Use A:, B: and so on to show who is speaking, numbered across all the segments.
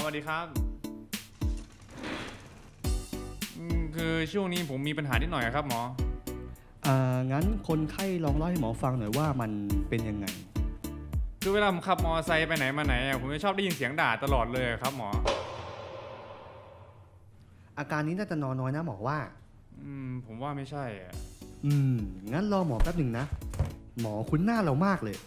A: วัสดีครับคือช่วงนี้ผมมีปัญหานิดหน่อยครับหมอ
B: งั้นคนไข้ลองเล่าให้หมอฟังหน่อยว่ามันเป็นยังไง
A: คือเวลาผมขับมอไซค์ไปไหนมาไหนผมจะชอบได้ยินเสียงด่าตลอดเลยครับหมอ
B: อาการนี้น่าจะนอนน้อยนะหมอว่า
A: ผมว่าไม่ใช่
B: งั้นรอหมอแป๊บหนึ่งนะหมอคุ้นหน้าเรามากเลย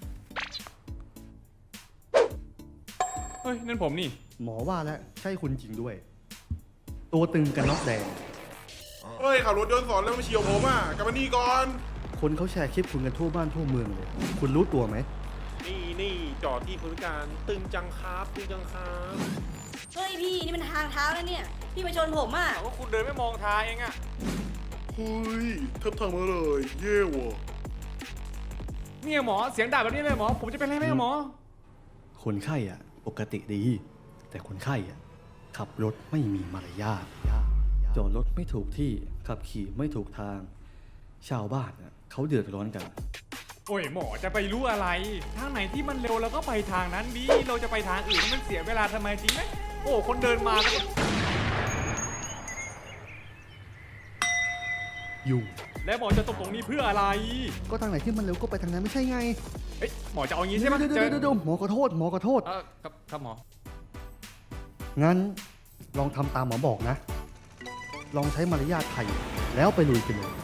A: เฮ้ยนั่นผมนี่
B: หมอว่าแล้วใช่คุณจริงด้วยตัวตึงกันน็อกแดง
C: เฮ้ยขับรถยนต์สอนแล้วมาเฉียวผมอ่ะกลับมานี่ก่อน
B: คนเขาแชร์คลิปคุณกันทั่วบ้านทั่วเมืองเลยคุณรู้ตัวไหม
C: นี่จอดที่พื้นการตึงจังครับตึงจังครับ
D: เฮ้ยพี่นี่มันทางเท้าแล้วเนี่ยพี่มาชนผมอ่ะ
A: ว่าคุณเดินไม่มองทางเองอะ
C: เฮ้ยเทิบทางมาเลยเย่ว่ะ
A: เนี่ยหมอเสียงด่าแบบนี้เลยหมอผมจะเป็นอะไรไหมหมอ
B: คนไข้ปกติดีแต่คนไข้ขับรถไม่มีมารยาทจอดรถไม่ถูกที่ขับขี่ไม่ถูกทางชาวบ้านเขาเดือดร้อนกัน
A: โอ้ยหมอจะไปรู้อะไรทางไหนที่มันเร็วเราก็ไปทางนั้นดิเราจะไปทางอื่นมันเสียเวลาทำไมจริงไหมโอ้คนเดินมาก็
B: ยุ่ง
A: แล้วหมอจะตกตรงนี้เพื่ออะไร
B: ก็ทางไหนที่มันเร็วก็ไปทางนั้นไม่ใช่ไง
A: เฮ้ยหมอจะเอาอย่างนี้ใช่ไหม
B: เดี๋ยวหมอขอโทษ
A: ครับหมอ
B: งั้นลองทำตามหมอบอกนะลองใช้มารยาทไทยแล้วไปลุยกันเลย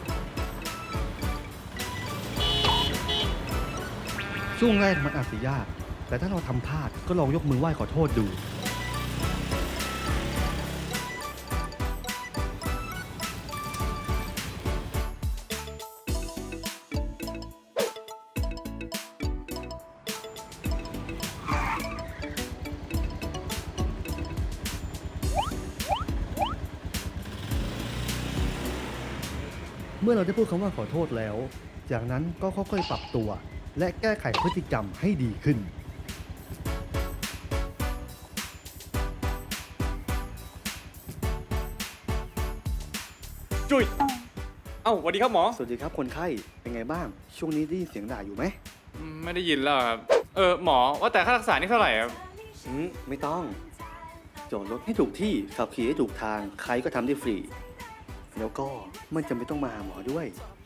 B: ช่วงแรกมันอาจจะยากแต่ถ้าเราทำพลาดก็ลองยกมือไหว้ขอโทษดูเมื่อเราได้พูดคำว่าขอโทษแล้วจากนั้นก็ค่อยๆปรับตัวและแก้ไขพฤติกรรมให้ดีขึ้น
A: จุ้ยสวัสดีครับหมอ
B: สวัสดีครับคนไข้เป็นไงบ้างช่วงนี้ได้ยินเสียงด่าอยู่ไหม
A: ไม่ได้ยินแล้วครับหมอว่าแต่ค่ารักษานี่เท่าไหร่ครับ
B: ไม่ต้องจอดรถให้ถูกที่ขับขี่ให้ถูกทางใครก็ทำได้ฟรีแล้วก็ไม่จำเป็นต้องมาหาหมอด้วย